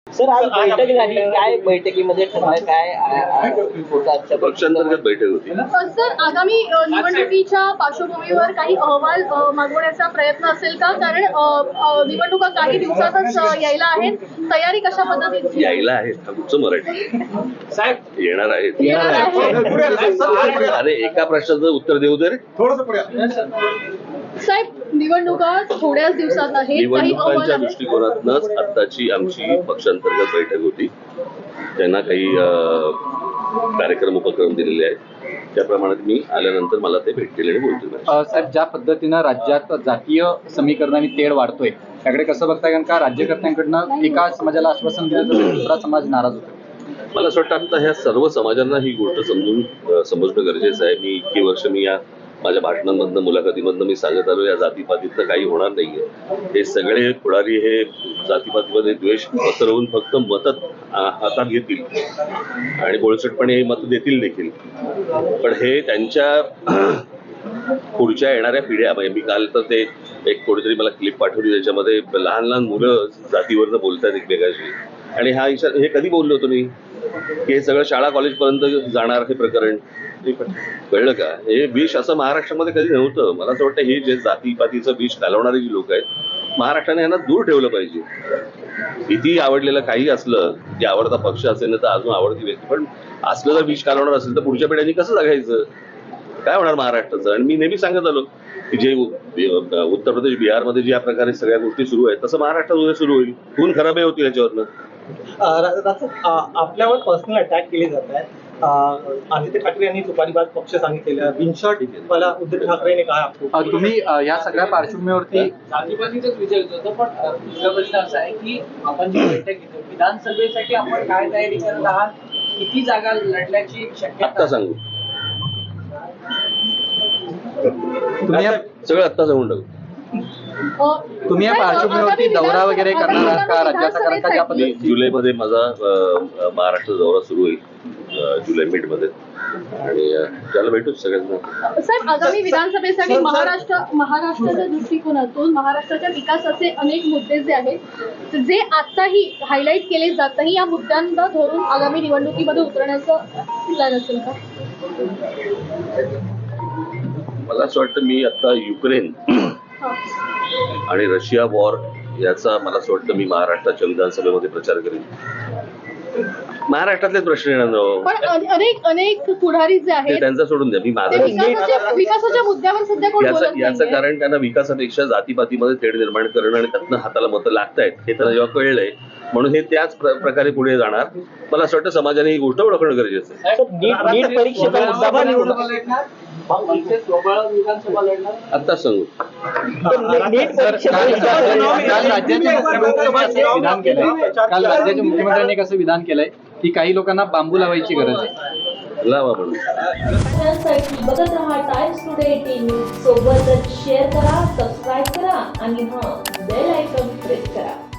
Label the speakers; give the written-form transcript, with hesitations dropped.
Speaker 1: Sir आज बैठक झाली, काय बैठकीमध्ये ठरलं, काय
Speaker 2: पक्षांतर्गत बैठक होती.
Speaker 3: सर आगामी निवडणुकीच्या पार्श्वभूमीवर काही अहवाल मागवण्याचा प्रयत्न असेल का? कारण निवडणुका काही दिवसातच यायला आहेत. तयारी कशा पद्धतीची
Speaker 2: यायला आहेत? कुठचं मराठी
Speaker 4: साहेब
Speaker 2: येणार आहेत.
Speaker 4: येणार
Speaker 2: अरे एका प्रश्नाचं उत्तर देऊ दे रे.
Speaker 3: साहेब निवडणुका थोड्याच दिवसात आहेत. काही अहवाल
Speaker 2: निवडणुकांच्या
Speaker 3: आहेत?
Speaker 2: दृष्टिकोनातूनच आत्ताची आमची पक्षांतर्गत बैठक होती. त्यांना काही कार्यक्रम उपक्रम दिलेले आहेत. त्याप्रमाणे मी आल्यानंतर मला ते भेटलेले बोलतो.
Speaker 5: साहेब, ज्या पद्धतीनं राज्यात जातीय समीकरणाने तेढ वाढतोय त्याकडे कसं बघताय? कारण का राज्यकर्त्यांकडनं एका समाजाला आश्वासन दिलं तर दुसरा समाज नाराज होतो.
Speaker 2: मला असं वाटतं आता ह्या सर्व समाजांना ही गोष्ट समजणं गरजेचं आहे. मी इतकी वर्ष या माझ्या भाषणांमधनं मुलाखतीमधनं मी सांगत आलो या जातीपातीतनं काही होणार नाहीये. हे सगळे पुढारी हे जातीपातीमध्ये द्वेष पसरवून फक्त मतं हातात घेतील आणि बोळसटपणे हे मतं देतील देखील. पण हे त्यांच्या पुढच्या येणाऱ्या पिढ्या, म्हणजे मी काल तर ते एक कोणीतरी मला क्लिप पाठवली त्याच्यामध्ये लहान लहान मुलं जातीवरनं बोलतात एकमेकाशी. आणि हे कधी बोललो होतो मी की हे सगळं शाळा कॉलेज पर्यंत जाणार हे प्रकरण, कळलं का? हे विष असं महाराष्ट्रामध्ये कधी नव्हतं. मला असं वाटतं हे जे जातीपातीचं विष घालवणारे जी लोक आहेत महाराष्ट्राने यांना दूर ठेवलं पाहिजे. किती आवडलेलं काही असलं की आवडता पक्ष असेल ना तर अजून आवडती व्यक्ती, पण असलं जर विष घालवणार असेल तर पुढच्या पिढ्यांनी कसं जगायचं? काय होणार महाराष्ट्राचं? आणि मी नेहमी सांगत आलो की जे उत्तर प्रदेश बिहारमध्ये ज्या प्रकारे सगळ्या गोष्टी सुरू आहेत तसं महाराष्ट्रात उद्या सुरू होईल. खून खराबही होतील याच्यावरनं.
Speaker 1: आपल्यावर पर्सनल अटॅक केले जात आहेत. आदित्य ठाकरे यांनी तुपारीबाज पक्ष सांगितलेलं. बिनशॉट मला उद्धव ठाकरेने कहा आपको.
Speaker 5: तुम्ही या सगळ्या पार्श्वभूमीवरती
Speaker 4: जातीपातीचाच विचारत होतं, पण दुसरा प्रश्न असा आहे की आपण जी बैठक घेतो विधानसभेसाठी आपण काय तयारी करत आहात? किती जागा लढण्याची शक्यता?
Speaker 2: आत्ता सांगू
Speaker 5: तुम्ही
Speaker 2: सगळं आत्ता सांगून टाकू.
Speaker 5: तुम्ही या पार्श्वभूमीवरती दौरा वगैरे करणार आहात का राज्याचा? कारण का ज्या पद्धतीने
Speaker 2: जुलैमध्ये माझा महाराष्ट्र दौरा सुरू होईल, जुलै मिडमध्ये, आणि त्याला भेटू सगळ्यांना.
Speaker 3: साहेब आगामी विधानसभेसाठी महाराष्ट्राच्या दृष्टिकोनातून महाराष्ट्राच्या विकासाचे अनेक मुद्दे जे आहेत जे आताही हायलाईट केले जात नाही, या मुद्द्यांना धरून आगामी निवडणुकीमध्ये उतरण्याचं प्लॅन असेल का?
Speaker 2: मला असं वाटतं मी आता युक्रेन आणि रशिया वॉर याचा मला असं वाटतं मी महाराष्ट्राच्या विधानसभेमध्ये प्रचार करेन. महाराष्ट्रातलेच प्रश्न येणार,
Speaker 3: पण अनेक पुढारी जे आहेत
Speaker 2: त्यांचा सोडून द्या. मी माझं
Speaker 3: विकासाच्या मुद्द्यावर सध्या कोण बोलत
Speaker 2: याचं
Speaker 3: नाहीये.
Speaker 2: कारण त्यांना विकासापेक्षा जातीपातीमध्ये तेढ निर्माण करणं आणि त्यातनं हाताला मतं लागतायत हे त्यांना जेव्हा कळलंय म्हणून हे त्याच प्रकारे पुढे जाणार. मला असं वाटतं समाजाने ही गोष्ट ओळखणं गरजेचं आहे.
Speaker 1: नीट परीक्षेचा मुद्दा पण
Speaker 4: विधानसभा लढणार
Speaker 2: आत्ताच सांगू.
Speaker 5: काल राज्याच्या मुख्यमंत्र्यांनी कसं विधान केलंय की काही लोकांना बांबू लावायची गरज आहे.
Speaker 2: लावा म्हणून.
Speaker 6: बघत रहा टाइम्स टुडे 18 सोबतच शेअर करा, सबस्क्राईब करा आणि बेल आयकॉन प्रेस करा.